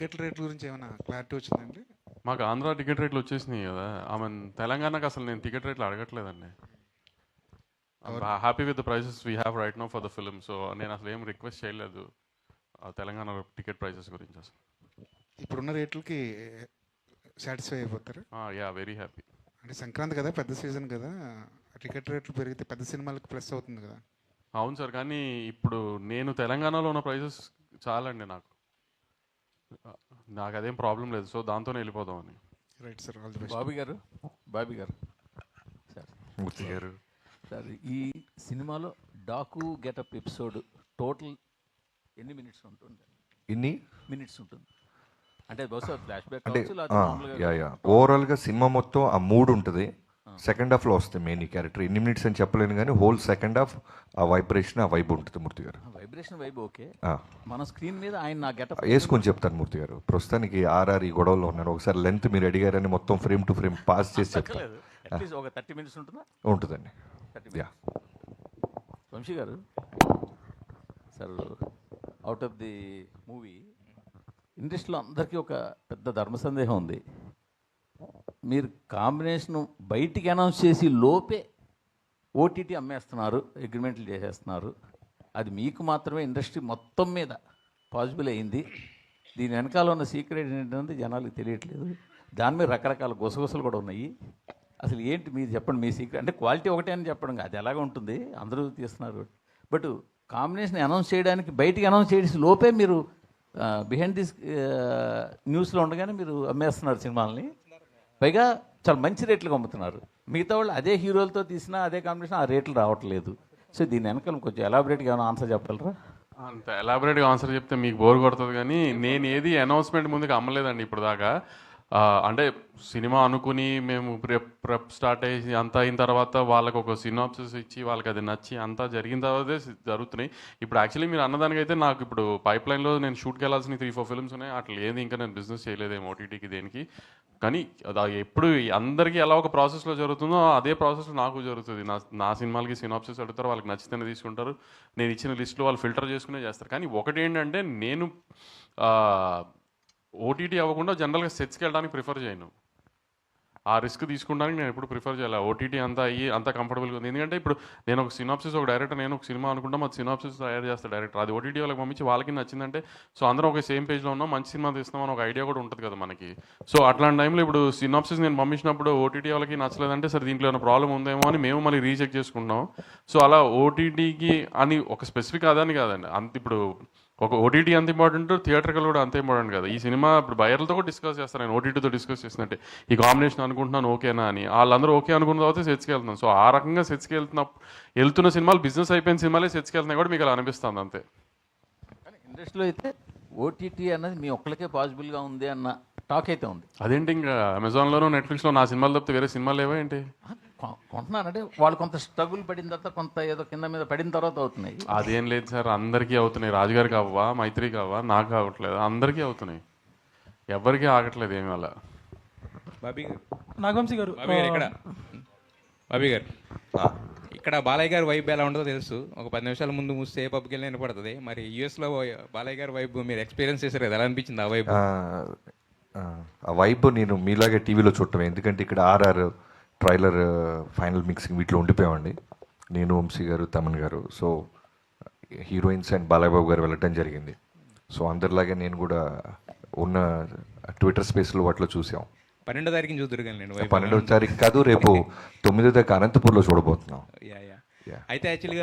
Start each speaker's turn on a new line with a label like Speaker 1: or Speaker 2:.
Speaker 1: Ticket రేట్ల గురించి ఏమైనా క్లారిటీ వచ్చిందండి?
Speaker 2: మాకు ఆంధ్ర టికెట్ రేట్లు వచ్చేసినాయి కదా. ఆమె తెలంగాణకు అసలు నేను టికెట్ రేట్లు అడగట్లేదండి. Happy with the prices we have right now for the film. So నేను అసలు ఏం రిక్వెస్ట్ చేయలేదు తెలంగాణ టికెట్ ప్రైసెస్ గురించి అసలు.
Speaker 1: ఇప్పుడున్న రేట్లకి సాటిస్ఫై అయిపోతారు?
Speaker 2: Yeah, very happy.
Speaker 1: అంటే సంక్రాంతి కదా, పెద్ద సీజన్ కదా, టికెట్ రేట్లు పెరిగితే పెద్ద సినిమాలకు ప్లస్ అవుతుంది కదా.
Speaker 2: అవును సార్, కానీ ఇప్పుడు నేను తెలంగాణలో ఉన్న ప్రైసెస్ చాలండి నాకు. నాకు అదేం ప్రాబ్లం లేదు. సో దాంతోనే వెళ్ళిపోదామని.
Speaker 1: Right sir, all the best.
Speaker 3: Bobby garu sir,
Speaker 2: Murthy garu
Speaker 3: sir, ఈ సినిమాలో డాకు గెటప్ ఎపిసోడ్ టోటల్ ఎన్ని మినిట్స్ ఉంటుంది?
Speaker 4: ఇన్ని
Speaker 3: మినిట్స్ ఉంటుంది అంటే బహుశా ఫ్లాష్ బ్యాక్
Speaker 4: అంటే
Speaker 3: కావచ్చు.
Speaker 4: ఓవరాల్గా సినిమా మొత్తం ఆ మూడు ఉంటుంది. సెకండ్ హాఫ్లో వస్తాయి మెయిన్ క్యారెక్టర్. ఎన్ని మినిట్స్ అని చెప్పలేను, కానీ హోల్ సెకండ్ హాఫ్ ఆ వైబ్రేషన్, ఆ వైబ్ ఉంటుంది Murthy garu.
Speaker 3: Vibration vibe okay. మన స్క్రీన్ మీద ఆయన నా గెటప్
Speaker 4: వేసుకొని చెప్తాను మూర్తి గారు. ప్రస్తుతానికి ఆర్ఆర్ ఈ గొడవలో ఉన్నారు. ఒకసారి లెంత్ మీరు అడిగారని మొత్తం ఫ్రేమ్ టు ఫ్రేమ్ పాస్ చేసి చెప్తాను.
Speaker 3: అట్లీస్ట్ ఒక 30 మినిట్స్ ఉంటుందా?
Speaker 4: ఉంటుందండి. Yeah.
Speaker 3: Vamsi garu sir, out of the movie ఇండస్ట్రీలో అందరికీ ఒక పెద్ద ధర్మ సందేహం ఉంది. మీరు కాంబినేషన్ బయటికి అనౌన్స్ చేసి లోపే ఓటీటీ అమ్మేస్తున్నారు, అగ్రిమెంట్లు చేసేస్తున్నారు. అది మీకు మాత్రమే ఇండస్ట్రీ మొత్తం మీద పాసిబుల్ అయింది. దీని వెనకాల ఉన్న సీక్రెట్ ఏంటంటే జనాలకు తెలియట్లేదు. దాని మీద రకరకాల గుసగుసలు కూడా ఉన్నాయి. అసలు ఏంటి మీరు చెప్పండి, మీ సీక్రెట్. అంటే క్వాలిటీ ఒకటే అని చెప్పడం, అది ఎలాగ ఉంటుంది, అందరూ తీస్తున్నారు. బట్ కాంబినేషన్ అనౌన్స్ చేయడానికి బయటికి అనౌన్స్ చేసి లోపే మీరు బిహైండ్ దిస్ న్యూస్లో ఉండగానే మీరు అమ్మేస్తున్నారు సినిమాలని. పైగా చాలా మంచి రేట్లకు అమ్ముతున్నారు. మిగతా వాళ్ళు అదే హీరోలతో తీసినా అదే కాంబినేషన్ ఆ రేట్లు రావట్లేదు. సో దీని వెనకాల కొంచెం ఎలాబరేట్గా ఏమైనా ఆన్సర్ చెప్పగలరా?
Speaker 2: అంత ఎలాబరేట్గా ఆన్సర్ చెప్తే మీకు బోర్ కొడుతుంది, కానీ నేను ఏది అనౌన్స్మెంట్ ముందుకు అమ్మలేదండి ఇప్పుడు దాకా. అంటే సినిమా అనుకుని మేము ప్రెప్ స్టార్ట్ అయ్యి అంతా అయిన తర్వాత వాళ్ళకు ఒక సినాప్సిస్ ఇచ్చి వాళ్ళకి అది నచ్చి అంతా జరిగిన తర్వాతే జరుగుతున్నాయి. ఇప్పుడు యాక్చువల్లీ మీరు అన్నదానికైతే నాకు ఇప్పుడు పైప్ లైన్లో నేను షూట్కి వెళ్ళాల్సిన 3-4 ఫిల్మ్స్ ఉన్నాయి. అట్లా ఏది ఇంకా నేను బిజినెస్ చేయలేదేమో ఓటీటీకి దేనికి. కానీ అది ఎప్పుడు అందరికీ ఎలా ఒక ప్రాసెస్లో జరుగుతుందో అదే ప్రాసెస్లో నాకు జరుగుతుంది. నా సినిమాలకి సినాప్సిస్ అడుగుతారు, వాళ్ళకి నచ్చితేనే తీసుకుంటారు. నేను ఇచ్చిన లిస్టులో వాళ్ళు ఫిల్టర్ చేసుకునే చేస్తారు. కానీ ఒకటి ఏంటంటే, నేను ఓటీటీ అవ్వకుండా జనరల్గా సెట్స్కి వెళ్ళడానికి ప్రిఫర్ చేయను. ఆ రిస్క్ తీసుకుంటానికి నేను ఎప్పుడు ప్రిఫర్ చేయాలి. ఓటీటీ అంతా అయ్యి అంత కంఫర్టబుల్గా ఉంది. ఎందుకంటే ఇప్పుడు నేను ఒక సినాప్సిస్, ఒక డైరెక్టర్, నేను ఒక సినిమా అనుకుంటాం, అది సినాప్సిస్ తయారు చేస్తాను డైరెక్టర్. అది ఓటీటీ వాళ్ళకి పంపించి వాళ్ళకి నచ్చిందంటే, సో అందరం ఒక సేమ్ పేజ్లో ఉన్నాం, మంచి సినిమా తీస్తున్నాం అని ఒక ఐడియా కూడా ఉంటుంది కదా మనకి. సో అట్లాంటి టైంలో ఇప్పుడు సినాప్సిస్ నేను పంపించినప్పుడు ఓటీటీ వాళ్ళకి నచ్చలేదంటే, సరే దీంట్లో ఏమైనా ప్రాబ్లం ఉందేమో అని మేము మళ్ళీ రీచెక్ చేసుకుంటాం. సో అలా ఓటీటీకి అని ఒక స్పెసిఫిక్ అదని కాదండి. అంత ఇప్పుడు ఒక ఓటీటీ అంత ఇంపార్టెంట్, థియేటర్కల్ కూడా అంత ఇంపార్టెంట్ కదా. ఈ సినిమా ఇప్పుడు బయర్లతో కూడా డిస్కస్ చేస్తాను, నేను ఓటీటీతో డిస్కస్ చేసినట్టే ఈ కాంబినేషన్ అనుకుంటున్నాను ఓకేనా అని. వాళ్ళందరూ ఓకే అనుకున్న తర్వాత సెట్స్కి వెళ్తున్నాను. సో ఆ రకంగా సెట్స్కి వెళ్తున్న సినిమాలు బిజినెస్ అయిపోయిన సినిమాలే సెట్స్కి వెళ్తున్నాయి కూడా మీకు అలా అనిపిస్తుంది అంతే.
Speaker 3: కానీ ఇండస్ట్రీలో అయితే ఓటీటీ అన్నది మీ ఒక్కరికే పాసిబుల్గా ఉంది అన్న టాక్ అయితే ఉంది.
Speaker 2: అదేంటి, ఇంకా అమెజాన్లోనూ నెట్ఫ్లిక్స్లో నా సినిమాలు తప్పితే వేరే సినిమాలు ఏవో ఏంటి
Speaker 3: కొంటున్నారంటే వాళ్ళు కొంత స్ట్రగుల్ పడిన తర్వాత, కొంత ఏదో కింద మీద పడిన తర్వాత అవుతున్నాయి.
Speaker 2: అదేం లేదు సార్, అందరికీ అవుతున్నాయి. రాజుగారికి అవ్వా, మైత్రికి అవ్వా, నాకు అవ్వట్లేదు, అందరికీ అవుతున్నాయి. ఎవరికి ఆగట్లేదు ఏమి అలా.
Speaker 5: బాబీ గారు,
Speaker 6: నాగవంశీ గారు,
Speaker 5: బాబీ గారు ఇక్కడ బాలయ్య గారి వైబ్ ఎలా ఉంటుందో తెలుసు. ఒక 10 నిమిషాల ముందు మూస్తే ఏ పబ్కి వెళ్ళి వినపడుతుంది. మరి యూఎస్లో బాలయ్య గారి వైబ్ మీరు ఎక్స్పీరియన్స్ చేశారు కదా, ఎలా అనిపించింది ఆ వైబ్?
Speaker 4: ఆ వైబ్ నేను మీలాగే టీవీలో చూడటమే. ఎందుకంటే ఇక్కడ ఆర్ఆర్ ట్రైలర్, ఫైనల్ మిక్సింగ్ వీటిలో ఉండిపోయామండి, నేను, Vamsi garu, Thaman garu. So heroines and Balayya Babu garu వెళ్ళటం జరిగింది. సో అందరిలాగే నేను కూడా ఉన్న ట్విట్టర్ స్పేస్లో వాటిలో చూసాం.
Speaker 5: 12వ తారీఖుని చూద్దరు కానీ నేను
Speaker 4: 12వ తారీఖు కాదు, రేపు 9వ తారీఖు అనంతపూర్లో చూడబోతున్నాం.
Speaker 5: అయితే యాక్చువల్గా